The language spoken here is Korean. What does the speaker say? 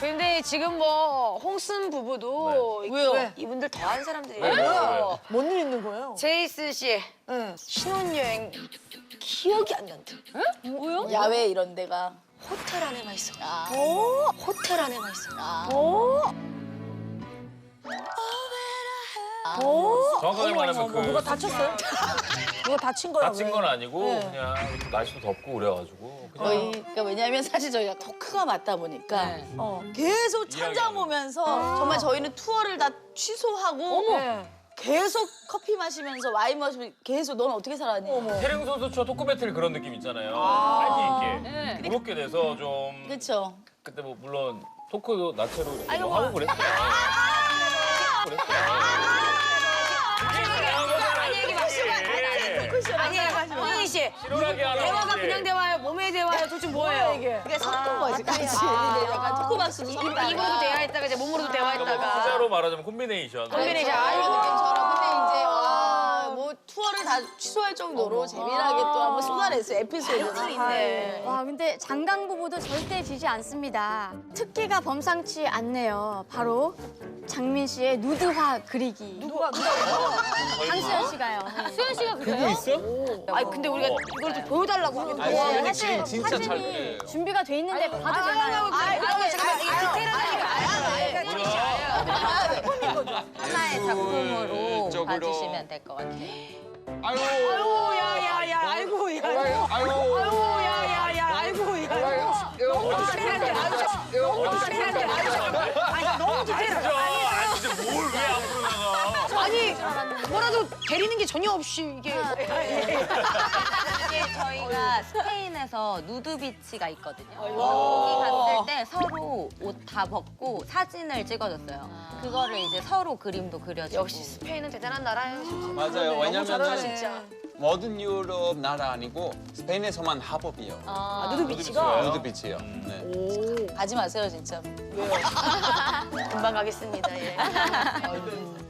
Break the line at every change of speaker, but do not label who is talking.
근데 지금 뭐 홍순 부부도
왜요?
이분들 더한 사람들이에요.
뭔 일 있는 거예요?
제이스 씨
네.
신혼여행 기억이 안 난다.
뭐요?
야외 이런 데가.
호텔 안에만 있어.
아.
호텔 안에만 있어.
아.
정확하게 말하면 그
누가 다쳤어요? 누가 다친 거야?
다친
왜?
건 아니고
네.
그냥 날씨도 덥고 그래가지고 그냥
거의 그러니까 왜냐하면 사실 저희가 토크가 맞다 보니까 계속 천장
이야기하는
보면서 정말 저희는 투어를 다 취소하고
네.
계속 커피 마시면서 와인 마시면서 계속 넌 어떻게 살았니?
태릉 선수촌 토크 배틀 그런 느낌 있잖아요. 파이팅 있게 무겁게 돼서 좀
그렇죠.
그때 뭐 물론 토크도 나체로 이렇게 뭐 하고 그랬어요.
아니에요, 홍희 씨.
실오라기 하나
대화가 그냥 대화예요. 몸의 대화예요. 도대체 뭐예요?
이게.
그게 섞은 거지, 같이. 근데 약간 토크 박수도 섞다가.
입으로도 대화했다가 이제 몸으로도 대화했다가.
후자로 말하자면 콤비네이션.
콤비네이션.
이런 느낌처럼. 근데 이제 뭐 투어를 다 취소할 정도로 재미나게 또 한번 쏟아냈어요, 에피소드를.
있네.
와 근데 장강 부부도 절대 지지 않습니다. 특기가 범상치 않네요. 바로 장민 씨의 누드화 그리기.
누가
강수연 씨가요.
수현 씨가 그래요?
있어?
아니 근데 우리가 이걸 좀 보여달라고 하는데.
네, 사실 사진이 준비가 돼 있는데 봐도 되나요?
잠깐만 이게 디테일하게
하나의 작품으로 봐주시면 될 것 같아요.
아이고 야야야 아이고 야 아이고 야야야 아이고 야 너무 디테일한데 아니 너무 디테일하다
아니 진짜 뭘 왜 앞으로 나가?
아니 뭐라도 데리는 게 전혀 없이 이게
이게 저희가 스페인에서 누드비치가 있거든요. 거기 갔을 때 서로 옷 다 벗고 사진을 찍어줬어요. 그거를 이제 서로 그림도 그려주고.
역시 스페인은 대단한 나라예요 진짜.
맞아요. 왜냐면
진짜.
모든 유럽 나라 아니고 스페인에서만 합법이에요.
누드비치가
누드비치요. 네.
가지 마세요, 진짜.
금방 가겠습니다. 예.